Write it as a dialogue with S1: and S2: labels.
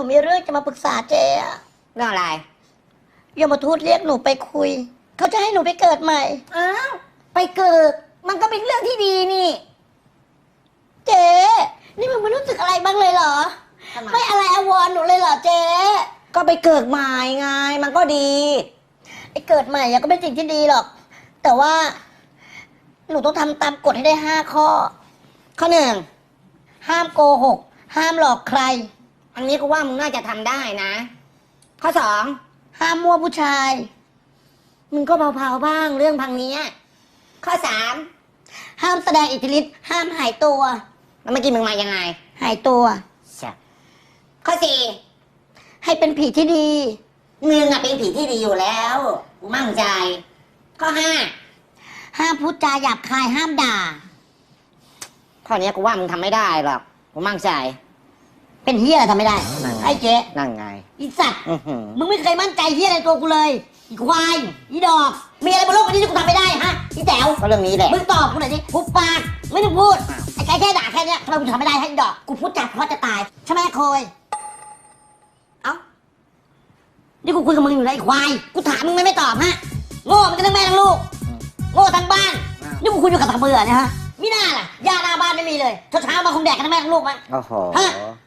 S1: ผมมีเรื่องจะมาปรึกษาเจ๊อะ
S2: เรื่องอะไร
S1: ยมทูตเรียกหนูไปคุยเขาจะให้หนูไปเกิดใหม่
S2: อ้าวไปเกิดมันก็เป็นเรื่องที่ดีนี่
S1: เจ๊นี่มึงไม่รู้สึกอะไรบ้างเลยเหรอไม่อะไรอาวรณ์หนูเลยเหรอเจ๊
S2: ก็ไปเกิดใหม่ไงมันก็ดี
S1: ไอ้เกิดใหม่ก็เป็นสิ่งที่ดีหรอกแต่ว่าหนูต้องทำตามกฎให้ได้5 ข้อ
S2: ข้อ 1
S1: ห้ามโกหกห้ามหลอกใคร
S2: อันนี้ก็ว่ามึงน่าจะทำได้นะข้อ 2
S1: ห้ามมั่วผู้ชาย
S2: มึงก็เผาๆบ้างเรื่องพังนี้ข้อ 3
S1: ห้ามแสดงอิทธิฤทธิ์ห้ามหายตัว
S2: แล้วเมื่อกี้มึงมายังไง
S1: หายตัว
S2: ข้อ
S1: ให้เป็นผีที่ดี
S2: 4มึงอะเป็นผีที่ดีอยู่แล้วกูมั่นใจข้อ
S1: ห้ามพูดจาหยาบคายห้ามด่า
S2: 5ข้อนี้กูว่ามึงทำไม่ได้หรอกกูมั่นใจ
S1: เป็นเฮียอะไรทำไม่ได้ไอ้เจ๊
S2: นั่งไง
S1: อีสัตว์มึงไม่เคยมั่นใจเฮียอะไรตัวกูเลยอีควายอีดอกมีอะไรบนโลกนี้ที่กูทำไม่ได้ฮะอีแต๋ว
S2: ก็เรื่องนี้แหละ
S1: มึงตอบกูหน่อยดิหุบปากไม่ต้องพูดไอ้แค่ด่าแค่เนี้ยทำไมกูทำไม่ได้ให้อีดอกกูพูดจัดเพราะจะตายใช่ไหมโคยเอ้านี่กูคุยกับมึงอยู่นะไอ้ควายกูถามมึงไม่ตอบฮะโง่มันก็ทั้งแม่ทั้งลูกโง่ทั้งบ้านนี่กูคุยอยู่กับตะเบื่อเนี่ยฮะมิน่าล่ะยาหน้าบ้านไม่มีเลยเช้ามาคงแดกกันทั้งแม่ทั้งลูกมั้ง
S2: โอ้โห
S1: ฮะ